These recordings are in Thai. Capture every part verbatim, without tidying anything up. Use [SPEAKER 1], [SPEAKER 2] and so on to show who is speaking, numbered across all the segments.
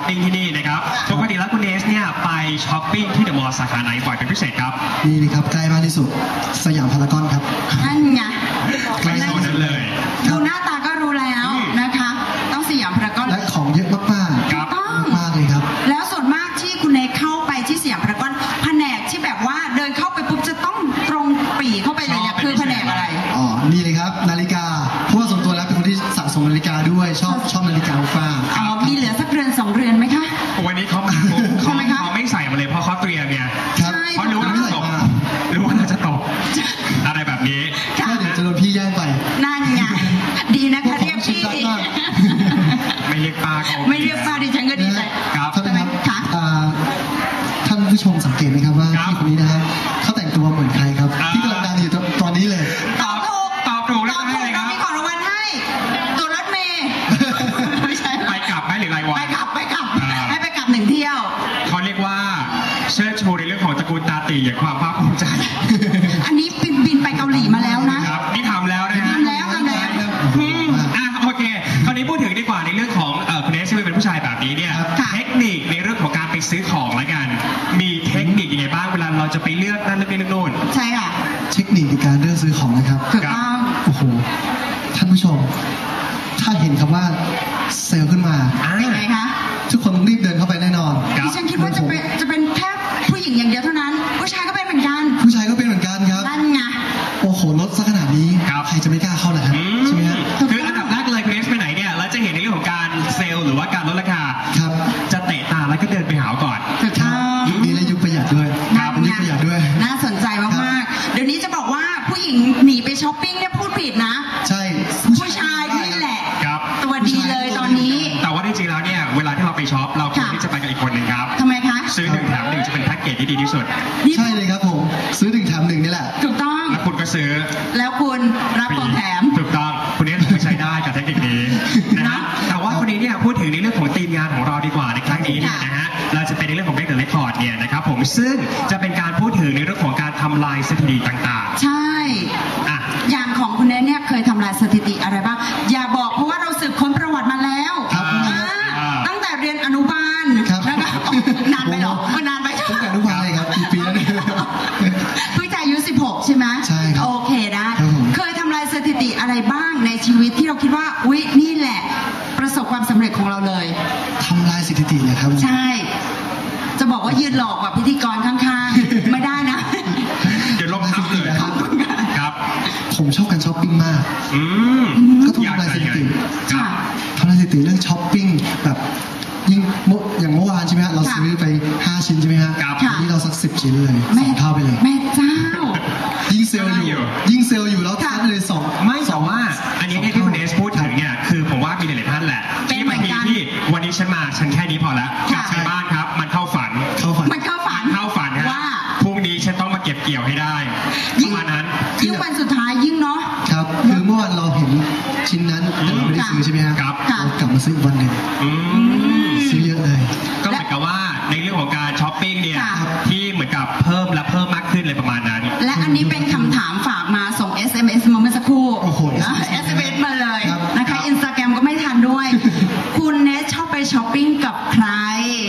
[SPEAKER 1] ปิ้งที่นี่นะครับปกติแล้วคุณเนสเนี่ยไปช้อปปิ้งที่เดอะมอลล์สาขาไหนบ่อยเป็นพิเศษครับ
[SPEAKER 2] นี่นะครับใกล้มากที่สุดสยามพารากอนครับ
[SPEAKER 3] นั่นไง
[SPEAKER 1] ใกล้โซนนั้นเลย
[SPEAKER 3] ดูหน้าตาก็รู้แล้วนะคะต้องสยามพารากอน
[SPEAKER 2] และของเยอะมากๆ
[SPEAKER 1] ครับ
[SPEAKER 2] มากเลยครับ
[SPEAKER 3] แล้วส่วนมากที่คุณเนสเข้าไปที่สยามพารากอนแผนกที่แบบว่าเดินเข้าไปปุ๊บจะต้องตรงปรีเข้าไปเลยเนี่ยคือแผนกอะไร
[SPEAKER 2] อ๋อนี่เลยครับนาฬิกาเพราะว่าส่วนตัวแล้วเป็นคนที่สะสมนาฬิกาด้วยชอบชอบนาฬิกาอัลฟา
[SPEAKER 3] อ๋อมีเหลือสักเรือนสองเรือนไหมคะ
[SPEAKER 1] วันนี้เขาเขาเขาไม่ใส่มาเลยเพราะเขาเตรียมเนี่ยเพราะรู้ว่าจะตกรู้ว่าเราจะตกอะไรแบบนี้
[SPEAKER 2] ก็เดี๋ยวจะโดนพี่แย่งไป
[SPEAKER 3] นั่นไงดีนะคะเรียกพี่
[SPEAKER 1] ไม่เรียกป้า
[SPEAKER 3] ไม่เรียกป้าดิฉันก็ดีใจ
[SPEAKER 1] ครับ
[SPEAKER 2] ท่านครับท่านผู้ชมสังเกตไหมครับว่าพี่คนนี้นะครับเขาแต่งตัวเหมือนใครครับที่กำลังดังอยู่ตอนนี้เลย
[SPEAKER 3] ตอบถูก
[SPEAKER 1] ตอบถูกแล้ว
[SPEAKER 3] ให้เลยครับมีของรางวัลให้ตัวรถเมย์ไม่ใช่
[SPEAKER 1] ไปกลับไหมหรือไรวะ
[SPEAKER 3] ไปกลับไปกลับให้ไปกลับหนึ่งเที่ยว
[SPEAKER 1] เขาเรียกว่าเชิดชูในเรื่องของตระกูลตาตีอย่างความภาคภูมิใจ
[SPEAKER 3] อันนี้บินบินไปเกาหลีมาแล้วนะครับ
[SPEAKER 1] นี่ทำแล้วนะฮะ
[SPEAKER 3] ทำแล้วทำแล้ว
[SPEAKER 1] อ่ะโอเคคราวนี้พูดถึงดีกว่าในเรื่องของคุณเนสที่เป็นผู้ชายแบบนี้เนี่ยเทคนิคในเรื่องของการไปซื้อของละกันมีเทคนิคยังไงบ้างเวลาเราจะไปเลือกนั่นเลือกนี่เลือกโน่น
[SPEAKER 3] ใช่ค่ะ
[SPEAKER 2] เทคนิคในการเลือกซื้อของนะครับ
[SPEAKER 3] ถูกต้อง
[SPEAKER 2] โอ้โหท่านผู้ชมถ้าเห็นคำว่าเซลล์ขึ้นมา
[SPEAKER 3] เป็นไงคะ
[SPEAKER 2] ทุกคนต้องรีบเดินเข้าไปแน่นอน
[SPEAKER 3] ดิฉันคิดว่าจะเป็นจะเป็นแค่ผู้หญิงอย่างเดียวเท่านั้นผู้ชายก็เป็นเหมือนกัน
[SPEAKER 2] ผู้ชายก็เป็นเหมือนกันครับ
[SPEAKER 3] นั่นไง
[SPEAKER 2] โอ้โหลดซะขนาดนี้ใครจะไม่กล้าเข้าล่ะครับใช่ไหมครับ
[SPEAKER 1] คืออันดับแรกเลยเนสไปไหนเนี่ยเราจะเห็นในเรื่องของการเซลล์หรือว่าการลดราคา
[SPEAKER 2] ครับ
[SPEAKER 1] จะเตะตาแล้วก็เดินไปหาก่อน
[SPEAKER 3] ถูกต้อง
[SPEAKER 2] ยุคนี้และยุคประหยัดด้วยยุคประหยัดด้วย
[SPEAKER 3] น่าสนใจมากๆเดี๋ยวนี้จะบอกว่าผู้หญิงหนีไปช้อปปิ้งเนี่ยพูดผิดนะ
[SPEAKER 2] ใช่
[SPEAKER 3] ผู้ชายนี่แหละ
[SPEAKER 1] ครับ
[SPEAKER 3] ตัวดีเลยตอนนี้
[SPEAKER 1] แต่ว่าจริงๆแล้วเนี่ยเวลาที่เราไปช็อปเราควรที่จะไปกับอีกคนหนึ่งครับ
[SPEAKER 3] ทำไมคะ
[SPEAKER 1] ซื้อหนึ่งแถมหนึ่งจะเป็นแพ็กเกจที่ดีที่สุด
[SPEAKER 2] ใช่เลยครับผมซื้อหนึ่งแถมหนึ่งนี่แหละ
[SPEAKER 3] ถูกต้อง
[SPEAKER 1] แล้วคุณก็ซื้อ
[SPEAKER 3] แล้วคุณรับของแถม
[SPEAKER 1] ถูกต้องคุณนี้ใช้ได้กับเทคนิคนี้นะแต่ว่าคนนี้เนี่ยพูดถึงในเรื่องของทีมงานของเราดีกว่าในครั้งนี้เนี่ยนะฮะเราจะเป็นในเรื่องของ Break the Record เนี่ยนะครับผมซึ่งจะเป็นการพูดถึงในเรื่องของการทำลายสถิติต่าง
[SPEAKER 3] ๆใช่
[SPEAKER 1] อ่ะ
[SPEAKER 3] อย่างของคุณเนสเนี่ยเคยทำลายสถิติอะไรบ้างอย่าบอกเพราะว่าเราสืบค้นประวัติมาแล้วตั้งแต่เรียนอนุบาลนะคะนานไปหรอนานไป
[SPEAKER 2] ตั้งแต่อนุบาลเลยครับกี่ปีแล้วเนี่ย
[SPEAKER 3] เพิ่งจะอายุสิบหกใช่ไหม
[SPEAKER 2] ใช่ครับ
[SPEAKER 3] โอเคได้เคยทำลายสถิติอะไรบ้างในชีวิตที่เราคิดว่าอุ๊ยนี่แหละประสบความสำเร็จของเราเลย
[SPEAKER 2] ทำลายสถิติเลยครับ
[SPEAKER 3] ใช่จะบอกว่ายืนหลอกกับพิธีกรข้างๆไม่ได้นะ
[SPEAKER 1] เดี๋ยวลงทับเลยครับ
[SPEAKER 2] ผมชอบการช้อปปิ้งมากก็ต้องทำลายสถิติทำลายสถิติเรื่องช้อปปิ้งแบบยิ่งอย่างเมื่อวานใช่ไหมฮะเราซื้อไปห้าชิ้นใช่ไหมฮะวันนี้เราสักสิบชิ้นเลยสองเท่าไปเลย
[SPEAKER 3] แม่เจ้า
[SPEAKER 2] ยิ่งเซลล์อยู่ยิ่งเซลล์อยู่แล้วทัดเลยสอง
[SPEAKER 1] ไม่แต่ว่าอันนี้ที่คุณเนสพูดถึงเนี่ยคือผมว่ามีหลายท่านแหละที่บางทีที่วันนี้ฉันมาฉันแค่นี้พอแล้วกลับไปบ้านครับมันเข้าฝัน
[SPEAKER 2] เข้าฝัน
[SPEAKER 3] มันเข้าฝัน
[SPEAKER 1] เข้าฝันว่าพรุ่งนี้ฉันต้องมาเก็บเกี่ยวให้ได้ประมาณนั้น
[SPEAKER 3] ยิ่งวันสุดท้ายยิ่งเนาะ
[SPEAKER 2] ครับคือเมื่อวานเราเห็นชิ้นนั้นแต่เราไม่ได้ซื้อใช่ไหมครับเรากลับมาซื้ออีกวันหนึ่งซื้อเยอะเลย
[SPEAKER 1] ก็เหมือนกับว่าในเรื่องของการช้อปปิ้งเนี่ยที่เหมือนกับเพิ่มและเพิ่มมากขึ้นเลยประมาณนั้น
[SPEAKER 3] และอันนี้เป็นคำถามฝากมาส่ง เอส เอ็ม เอส มาเมื่อสักครู่
[SPEAKER 2] โอ้โห
[SPEAKER 3] เอส เอ็ม เอส มาเลยนะคะอินสตาแกรมก็ไม่ทันด้วยคุณเนสชอบไปช้อปปิ้งกับใคร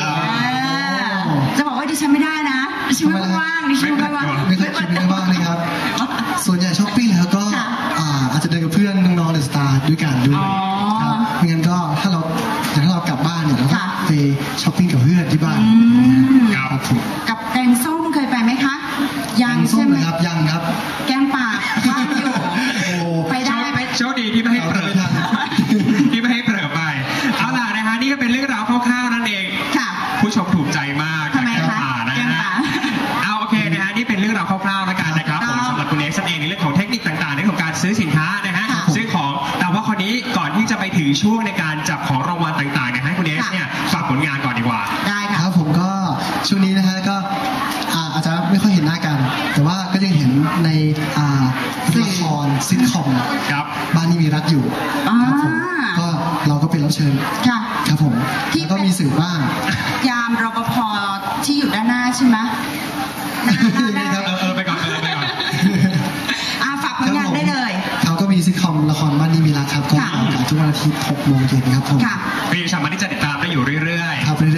[SPEAKER 3] จะบอกว่าดิฉันไม่ได้นะดิฉันไม่ว่างดิฉันไม่ว่าง
[SPEAKER 2] ไม่เคยคิดไม่ว่างเลยครับส่วนใหญ่ช้อปปิ้งแล้วก็อาจจะเดินกับเพื่อนน้องๆเดอะสตาร์ด้วยกันด้วยครับไม่งั้นก็ถ้าเราถ้าเรากลับบ้านเนี่ยเราก็ไปช้อปปิ้งกับเพื่อนที่บ้าน
[SPEAKER 1] ครับ
[SPEAKER 3] กับแกงส้มเคยไปไหมคะ
[SPEAKER 2] ยังใช่ไหมครับยังครับ
[SPEAKER 3] แกงป่าว่างอยู่ไปได้ไป
[SPEAKER 1] โชคดีที่ไม่ให้เปิดที่ไม่ให้เปิดไปเอาล่ะนะฮะนี่ก็เป็นเรื่องราวคร่าวๆนั่นเองผู้ชมถูกใจมาก
[SPEAKER 3] ทำไมคะ
[SPEAKER 1] นะฮะเอาโอเคนะฮะนี่เป็นเรื่องราวคร่าวๆแล้วกันนะครับผมสำหรับคุณเอกเองในเรื่องของเทคนิคต่างๆในของการซื้อสินค้านะฮะซื้อของแต่ว่าคนนี้ก่อนที่จะไปถึงช่วงในการจับของรางวัลต่างๆเนี่ยให้คุณเอกเนี่ยฝากผลงานก่อนดีกว่า
[SPEAKER 3] ได้ค่ะ
[SPEAKER 2] ครับผมก็ช่วงนี้นะฮะก็อาจจะไม่ค่อยเห็นหน้ากันแต่ว่าก็ยังเห็นในละครซิทคอมบ้านนี้มีรักอยู่ครับผมก็เราก็เป็นรับเชิญครับผมแล้วก็มีสื่อบ้าง
[SPEAKER 3] ยามรปภที่อยู่ด้านหน้าใช่ไหม
[SPEAKER 2] ครับ
[SPEAKER 1] เออไปก่อนเออไปก่อน
[SPEAKER 3] อาฝากผลงานได้เลย
[SPEAKER 2] เขาก็มีซิทคอมละครบ้านนี้มีรักครับก็ออกอากาศทุกวันอาทิตย์หกโมงเย็นครับผม
[SPEAKER 1] พี่สามารถที่จะติดตามได้อยู่เรื่อย
[SPEAKER 2] ๆครับ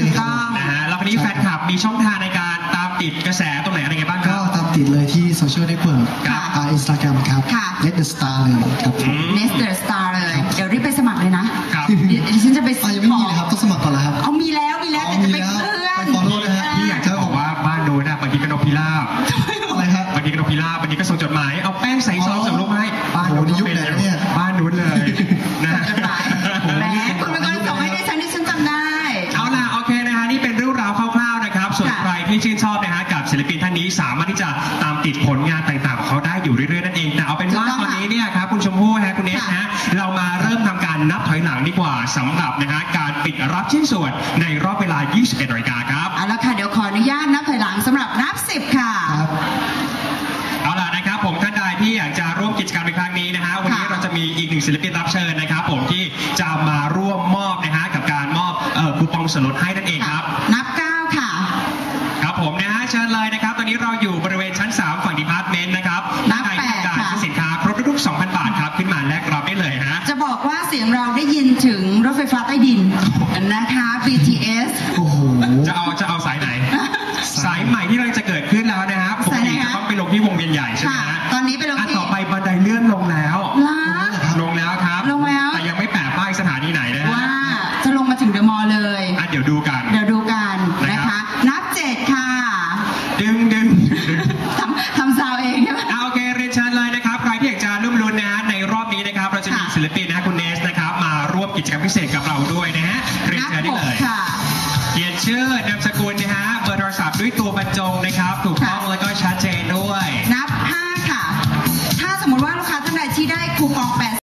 [SPEAKER 1] ช่องทางในการตามติดกระแสตรงไหนอะไรไงบ้างค
[SPEAKER 2] ก็
[SPEAKER 1] รับ
[SPEAKER 2] ตามติดเลยที่โซเชียลเน็ตเวิร์ก
[SPEAKER 3] ค่ะ
[SPEAKER 2] อ่าอินสตาแกรมครับ
[SPEAKER 3] ค่ะ
[SPEAKER 2] Net the Star เลยครับผม
[SPEAKER 3] เนสเตอร์สตาร์เลย เดี๋ยวรีบไปสมัครเลยนะครับ เดี๋ยวดิฉันจะไป
[SPEAKER 2] อ่า
[SPEAKER 3] ซื้อ
[SPEAKER 2] ยังไม่
[SPEAKER 3] ขอ
[SPEAKER 2] มี
[SPEAKER 3] ง
[SPEAKER 2] เลยครับต้องสมัครก่อนแล้วครับ
[SPEAKER 3] เอามีแล้วมีแล้ว
[SPEAKER 2] อ๋อ
[SPEAKER 3] แต่จะไป
[SPEAKER 2] มีแล้ว
[SPEAKER 3] เพื่อน
[SPEAKER 2] ไป follow นะฮะ
[SPEAKER 1] พี่อยากจะบอกว่าบ้านโน้นนะบางทีก็นกพิราบ
[SPEAKER 2] อะไรครับ
[SPEAKER 1] บางทีก็นกพิราบบางทีก็ส่งจดหมายเอาแป้งใส่ซองส่งลูกให้บ้าน
[SPEAKER 2] โอ้
[SPEAKER 1] โน้น
[SPEAKER 2] โหนี่ยุคไหนเนี่ย
[SPEAKER 1] บ้านนู้นเลยนะ
[SPEAKER 3] จดหมายแหมคุณเป็นคนส่งให้ดิฉันดิฉันจำได้
[SPEAKER 1] เอาล่ะโอเคนะฮะนี่เป็นเรื่องราวคร่าวๆนะครับส่วน
[SPEAKER 3] ค่ะ
[SPEAKER 1] ใครที่ชื่นชอบนะฮะกับศิลปินท่านนี้สามารถที่จะตามติดผลงานต่างๆของเขาได้อยู่เรื่อยๆนั่นเองแต่เอาเป็นว่า
[SPEAKER 3] ถูกต้อง
[SPEAKER 1] ตอนนี้เนี่ยครับคุณชมพู่ฮะคุณเนส
[SPEAKER 3] ค่ะ
[SPEAKER 1] ฮะเรามาเริ่มทำการนับถอยหลังดีกว่าสำหรับนะฮะการปิดรับชิ้นส่วนในรอบเวลา ยี่สิบเอ็ด นาฬิกาครับ
[SPEAKER 3] เอาละค่ะเดี๋ยวขออนุญาตนับถอยหลังสำหรับนับสิบค่ะ
[SPEAKER 2] ครับ
[SPEAKER 1] เอาล่ะนะครับผมท่านใดที่อยากจะร่วมกิจกรรมในครั้งนี้นะฮะวันนี้
[SPEAKER 3] ค่ะ
[SPEAKER 1] เราจะมีอีกหนึ่งศิลปินรับเชิญนะครับผมที่จะมาร่วมมอบนะฮะกับการมอบเอ่อคูปองส่วนลดให้นั่นเองครับ
[SPEAKER 3] นับเก้าค่ะ
[SPEAKER 1] ครับผมนะฮะเชิญเลยนะครับตอนนี้เราอยู่บริเวณชั้นสามฝั่งดีพาร์ตเมนต์นะครับ
[SPEAKER 3] นับ
[SPEAKER 1] ท่านใดที่ต้องการ
[SPEAKER 3] แปดค่ะ
[SPEAKER 1] ซื้อสินค้าครบทุกๆ สองพัน บาทครับขึ้นมาแลกรับได้เลยฮะ
[SPEAKER 3] จะบอกว่าเสียงเราได้ยินถึงรถไฟฟ้าใต้ดินนะคะ บี ที เอส
[SPEAKER 2] โอ้โห
[SPEAKER 1] จะเอาจะเอาสายไหน สายใหม่ที่กำลังจะเกิดขึ้นแล้วนะฮะปก
[SPEAKER 3] สายไหน
[SPEAKER 1] ติ
[SPEAKER 3] คะ
[SPEAKER 1] จะต้องไปลงที่วงเวียนใหญ่ใช่ไหม
[SPEAKER 3] ค่ะ
[SPEAKER 1] ฮะ
[SPEAKER 3] ตอนนี้ไปลง
[SPEAKER 1] อ่ะ
[SPEAKER 3] ที่
[SPEAKER 1] ต่อไปบันไดเลื่อนลงแล้ว
[SPEAKER 3] ล้า
[SPEAKER 1] ลงแล้วครับ
[SPEAKER 3] ลงแล้ว
[SPEAKER 1] แต่ยังไม่แปะป้ายสถานีไหนนะฮะ
[SPEAKER 3] ว่าจะลงมาถึงเดอะมอลล์เลย
[SPEAKER 1] อ่ะเดี๋ยวดูกัน
[SPEAKER 3] เดี๋ยวดูกันนะ
[SPEAKER 1] นะครั
[SPEAKER 3] คะ
[SPEAKER 1] บ
[SPEAKER 3] นับเจ็ดค่ะ
[SPEAKER 1] ดึงดึงดึง
[SPEAKER 3] ทำทำซาวเองใช่ไหม
[SPEAKER 1] อ่ะโอเคเรียนเชิญเลยนะครับใครที่อยากจะร่วมลุ้นนะฮะในรอบนี้นะครับเราจะมี
[SPEAKER 3] ค่ะ
[SPEAKER 1] ศิลปินนะฮะคุณเนสนะครับมาร่วมกิจกรรมพิเศษกับเราด้วยนะฮะเรียน
[SPEAKER 3] นับ
[SPEAKER 1] เชิญ
[SPEAKER 3] ห
[SPEAKER 1] ได้
[SPEAKER 3] ก
[SPEAKER 1] เลย
[SPEAKER 3] ค่ะ
[SPEAKER 1] เขียนชื่อนามสกุลนะฮะเบอร์โทรศัพท์ด้วยตัวบรรจงนะครับถูกต้อง
[SPEAKER 3] ค่ะ
[SPEAKER 1] แล้วก็